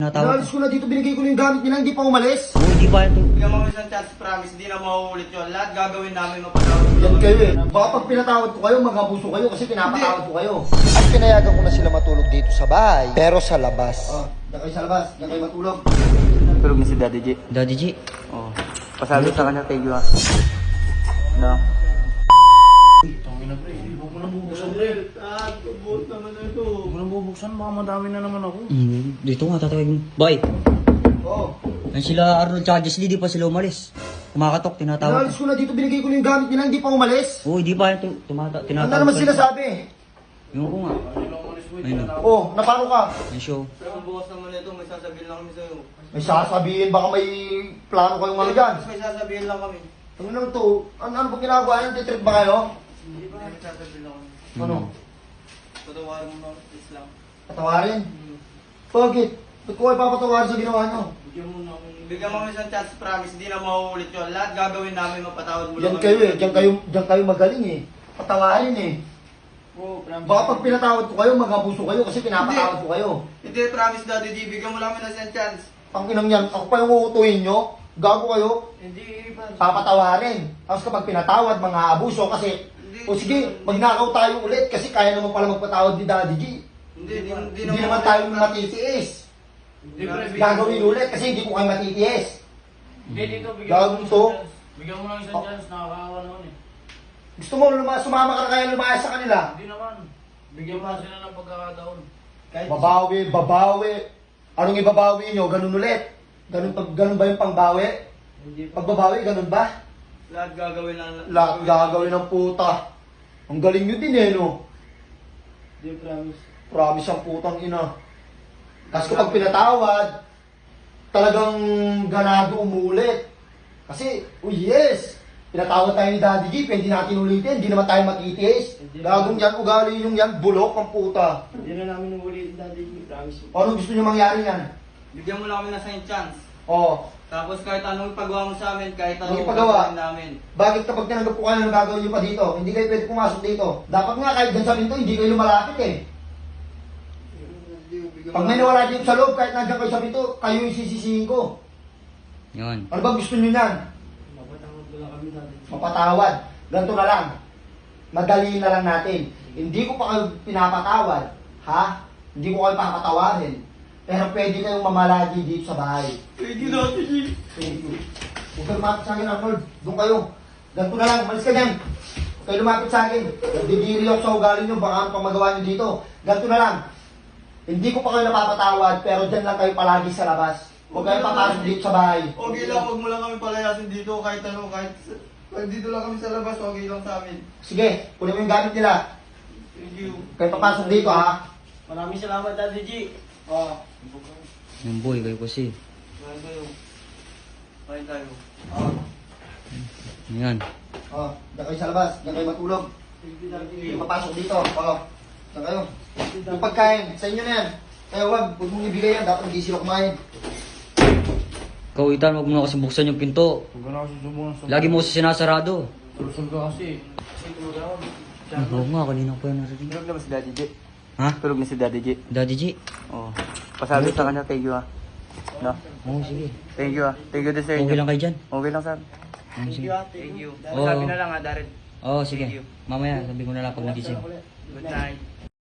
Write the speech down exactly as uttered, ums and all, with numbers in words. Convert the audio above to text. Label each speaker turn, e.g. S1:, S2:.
S1: Natawag
S2: Inalis ko na dito, binigay ko na yung gamit nila, hindi pa umalis.
S1: ko. Hindi pa ito.
S3: Bigyan mo isang chance, promise, di na mauulit yun. Lahat gagawin namin, mapatawad mo
S2: Yan
S3: lang
S2: kayo
S3: kami.
S2: eh. Baka pag pinatawad ko kayo, magabuso kayo kasi pinapatawad ko kayo. At pinayagan ko na sila matulog dito sa bahay, pero sa labas. Oh, diyan kayo sa labas, diyan kayo matulog.
S3: Tulog na si Daddy G.
S1: Daddy G.
S3: Oo. Pasabi sa kanya, thank you ha. No?
S4: Tangina pre, huwag mo nang bubuksan pre.
S3: Ah, kabot naman na ito.
S4: Huwag mo nang bubuksan, baka madami na naman ako.
S1: Mm, dito nga tatawagin. Boy.
S2: Oo.
S1: Yan sila Arnold tsaka Jesly, di pa sila umalis. Kumakatok, tinatawag.
S2: Inalis ko na dito, binigay ko na yung gamit nila, hindi pa umalis.
S1: Oo, hindi pa ito. Tumata,
S2: Ano
S1: tinatawag.
S2: naman sila sabi?
S1: Yung ko nga. Ayun o.
S2: Oh, napano ka?
S1: Yung show.
S3: Pero kung bukas naman ito, may sasabihin lang kami sa'yo.
S2: May sasabihin, baka may plano kayong ano dyan.
S3: Mas may sasabihin lang kami.
S2: Ano naman to? Ano, ano bang ginagawa yan? Titrip ba kayo?
S3: Hindi ba? May sasabihin lang kami.
S2: Ano?
S3: Patawarin mo lang, please lang.
S2: Patawarin? Bakit? Ba't ko kayo papatawarin sa ginawa nyo?
S3: Bigyan mo na Bigyan mo isang chance, promise, di na mauulit yun. Lahat gagawin namin, mapatawad mo
S2: Yan
S3: lang kami.
S2: kayo eh, diyan kayo, diyan kayo magaling eh. Patawarin eh.
S3: Oo, promise.
S2: Baka pag pinatawad ko kayo, magabuso kayo kasi pinapatawad ko kayo.
S3: Hindi, promise, Daddy G. Bigyan mo lang kami ng isang chance.
S2: Ang inang yan, ako pa yung uutuhin nyo, gago kayo,
S3: Hindi, promise.
S2: papatawarin. Tapos kapag pinatawad, mga abuso kasi, o sige, magnakaw tayo ulit kasi kaya naman pala magpatawad ni Daddy G.
S3: Hindi, hindi, hindi,
S2: Hindi naman tayo matitiis.
S3: Hindi, pre, bigyan-
S2: Gagawin ulit kasi hindi ko kayo matitiis.
S4: Hindi dito, bigyan
S2: Gago
S4: mo ng
S2: to.
S4: isang chance. Bigyan mo ng isang chance, nakakaawa naman eh.
S2: Gusto mo luma, sumama ka na kaya lumayas sa kanila?
S4: Hindi naman. Bigyan mo sila ng pagkakataon.
S3: Kahit-
S2: Babawi, babawi. Anong ibabawi nyo? Ganun ulit. Ganun, pag, ganun ba yung pangbawi?
S3: Hindi,
S2: Pagbabawi, ganun ba?
S3: lahat gagawin lang.
S2: Lahat gagawin ng puta. Ang galing nyo din eh, no?
S3: Hindi, promise.
S2: Promise ang putang ina. Tapos kapag pinatawad, talagang ganado umulit. Kasi, oh yes, pinatawad tayo ni Daddy G, pwede natin ulitin, hindi naman tayo matitiis. Gagong yan, ugali yung yan, bulok ang puta.
S3: Hindi na namin ulit, Daddy G. Promise.
S2: Ano gusto nyo mangyari yan?
S3: Bigyan mo lang kami ng isang chance.
S2: Oh,
S3: Tapos kahit anong ipagawa mo sa amin, kahit anong
S2: Anong ipagawa?
S3: gagawin namin.
S2: bakit kapag tinanggap ko kayo ng gagawin nyo pa dito, hindi kayo pwede pumasok dito? Dapat nga kahit dyan sa pinto, hindi kayo lumalapit eh. Pag may nawala dito sa loob, kahit nandiyan kayo sa pinto, kayo yung sisisihin ko.
S1: Yun.
S2: Ano ba gusto nyo yan?
S3: Mapatawad mo lang kami, Daddy G.
S2: Mapatawad. Ganito na lang. Madali na lang natin. Hindi ko pa kayo pinapatawad. Ha? Hindi ko kayo papatawarin. Pero pwede kayong mamalagi dito sa bahay.
S3: Thank you, Daddy G.
S2: Thank you. Huwag kayo lumapit sa akin, Arnold. Doon kayo. Ganito na lang. Malis ka dyan. Huwag kayo lumapit sa akin. Nagdidiri ako sa ugali nyo. Baka ano pang magawa nyo dito. Ganito na lang. Hindi ko pa kayo napapatawad, pero dyan lang kayo palagi sa labas. Huwag kayo papasok dito sa bahay.
S3: Okay lang, huwag mo lang kami palayasin dito kahit ano, kahit kahit dito lang kami sa labas, okay lang sa amin.
S2: Sige, kunin mo yung gamit nila.
S3: Thank you.
S2: Kayo papasok dito, ha?
S3: Maraming salamat, Daddy G. Oh,
S1: Yung boy, kayo kasi.
S3: kain tayo. Kain tayo.
S2: Oh,
S1: Yan.
S2: oh, dyan kayo sa labas. Dyan kayo matulog.
S3: Thank you, Daddy G.
S2: Hindi papasok dito. Oo. Saan kayo? Yung pagkain, sa inyo na yan. Kaya wag, huwag mong ibigay yan. Dapat hindi sila kumain.
S1: Ikaw, Itan, huwag mo na kasi buksan yung pinto.
S4: Huwag ka na kasi subukan sa...
S1: Lagi mo kasi sinasarado.
S4: Sulusog ka kasi. Kasi tulog ako.
S1: Oo nga, kanina ko pa yung narinig.
S3: Tulog na ba si Daddy G?
S1: Ha?
S3: Tulog na si Daddy G.
S1: Daddy G?
S3: Oo. Pasabi sa kanya, thank you ha. No?
S1: Oo, sige.
S3: Thank you ha. Thank you din sa inyo.
S1: Okay lang kayo dyan?
S3: Okay lang sir.
S1: Oo, sige.
S3: Thank you.
S1: Oo.
S3: Sabi na lang ha, Darren.
S1: Oo, sige.
S3: Thank you.
S1: Mamaya, sabi ko na lang pag nagising.
S3: Good night.